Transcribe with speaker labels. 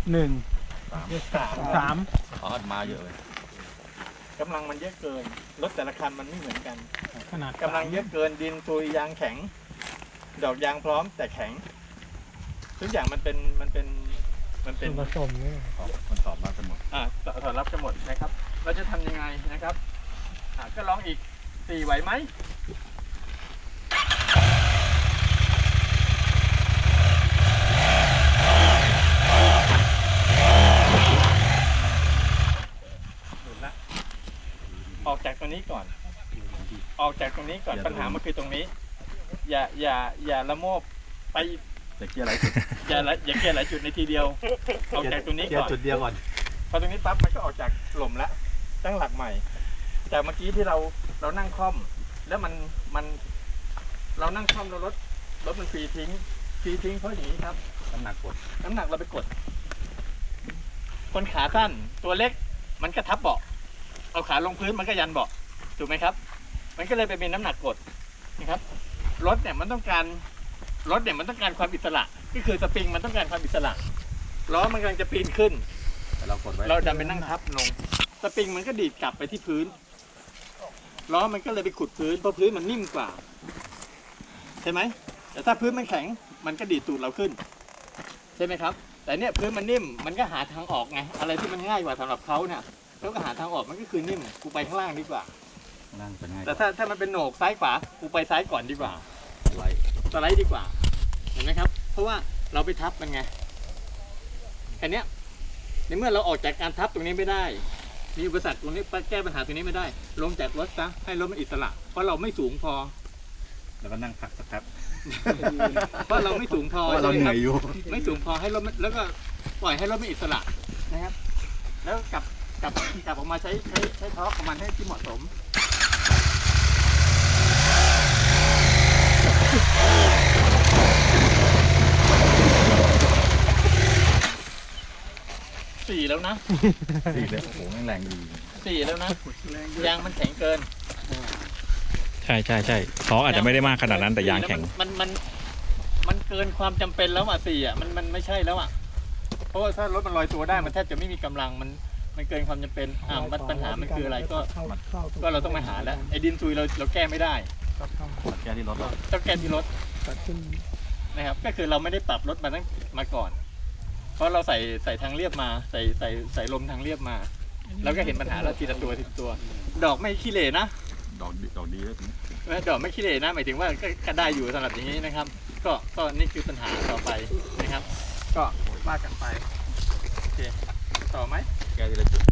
Speaker 1: 3
Speaker 2: อ๋อมาเยอะเลย
Speaker 3: กำลังมันเยอะเกินรถแต่ละคันมันไม่เหมือนกัน
Speaker 1: ขนาด
Speaker 3: กำลังเยอะเกินดินตุยยางแข็ง ดอกยางพร้อมแต่แข็งทุกอย่างมันเป็น
Speaker 1: ส่วนผสมเนี่ย
Speaker 2: มันตอบมากันหมด
Speaker 3: สอดรับกันหมดนะครับ เราจะทำยังไงนะครับก็ลองอีก4ไหวไหมหนุนละออกจากตรงนี้ก่อน ออกจากตรงนี้ก่อนปัญหามันคือตรงนี้ อย่าละโมบไป
Speaker 2: แต่เกียร์อะไรสุด
Speaker 3: อย่าเกลียหลายจุดในทีเดียว ออกจากตรงนี้ก่อน
Speaker 2: จุดเดียวก่อน
Speaker 3: พอตรงนี้ปั๊บมันก็ออกจากหล่มแล้วตั้งหลักใหม่ จากเมื่อกี้ที่เรานั่งคล่อม แล้วมันเรานั่งคล่อมแล้วรถมันฟรีทิ้งเพราะอย่างนี้ครับ
Speaker 2: น้ำหนักกด
Speaker 3: น้ำหนักเราไปกด คนขาสั้นตัวเล็กมันก็ทับเบาะเอาขาลงพื้นมันก็ยันเบาะถูกไหมครับ มันก็เลยไปเป็นน้ำหนักกดนะครับรถเนี่ยมันต้องการความอิสระก็คือสปริงมันต้องการความอิสระล้อมันกำลังจะปีนขึ้น
Speaker 2: แต่เรากดไว้
Speaker 3: เราดันไปนั่งทับลงสปริงมันก็ดีดกลับไปที่พื้นล้อมันก็เลยไปขุดพื้นเพราะพื้นมันนิ่มกว่าใช่ไหมแต่ถ้าพื้นมันแข็งมันก็ดีดตูดเราขึ้นใช่ไหมครับแต่เนี่ยพื้นมันนิ่มมันก็หาทางออกไงอะไรที่มันง่ายกว่าสำหรับเขาเนี่ยเขาก็หาทางออกมันก็คือนิ่มกูไปข้างล่างดีกว่า
Speaker 2: นั่งจะง่าย
Speaker 3: แต่ถ้ามันเป็นโหนกซ้ายขวากูไปซ้ายก่อนดีกว่า
Speaker 2: ไล่
Speaker 3: สไลด์ดีกว่าเห็นไหมครับเพราะว่าเราไปทับมันไงแค่นี้ในเมื่อเราออกจากการทับตรงนี้ไม่ได้มีอุปสรรคตรงนี้แก้ปัญหาตรงนี้ไม่ได้ลงจากรถซะให้รถมันอิสระเพราะเราไม่สูงพอ
Speaker 2: แล้วก็นั่งพักสักแป๊บ
Speaker 3: เพราะเราไม่สูงพอ
Speaker 2: เพราะเราเหนื่อยอยู่
Speaker 3: ไม่สูงพอให้รถมันแล้วก็ปล่อยให้รถมันอิสระนะครับ แล้วกลับออกมาใช้ทอร์กของมันให้ที่เหมาะสมสี่แล้วนะ
Speaker 2: สี่เลยโอ้โหแม่งแรงดี
Speaker 3: 4แล้วนะยางมันแข็งเกิน
Speaker 4: ใช่ท้ออาจจะไม่ได้มากขนาดนั้นแต่ยางแข็ง
Speaker 3: มันเกินความจำเป็นแล้วอ่ะ4อ่ะมันไม่ใช่แล้วอ่ะเพราะว่าถ้ารถมันลอยตัวได้มันแทบจะไม่มีกำลังมันเกินความจำเป็นปัญหามันคืออะไรก็เราต้องมาหาแล้วไอ้ดินซุยเราแก้ไม่ได้
Speaker 2: แก้ที่รถเรา
Speaker 3: ต้องแก้ที่รถ
Speaker 1: ตัดขึ้น
Speaker 3: นะครับก็คือเราไม่ได้ปรับรถมาก่อน เพราะเราใส่ทางเรียบมาใส่ลมทางเรียบมาแล้วก็เห็นปัญหาเราทีละตัว ดอกไม่ขี้เหร่นะ
Speaker 2: ดอกดีเลย
Speaker 3: ดอกไม่ขี้เหร่นะหมายถึงว่าก็ได้อยู่สำหรับอย่างนี้นะครับ ก็นี่คือปัญหาต่อไปนะครับ ก็ว่ากันไปโอเคต่อไหม
Speaker 2: แก้ที่ละจุด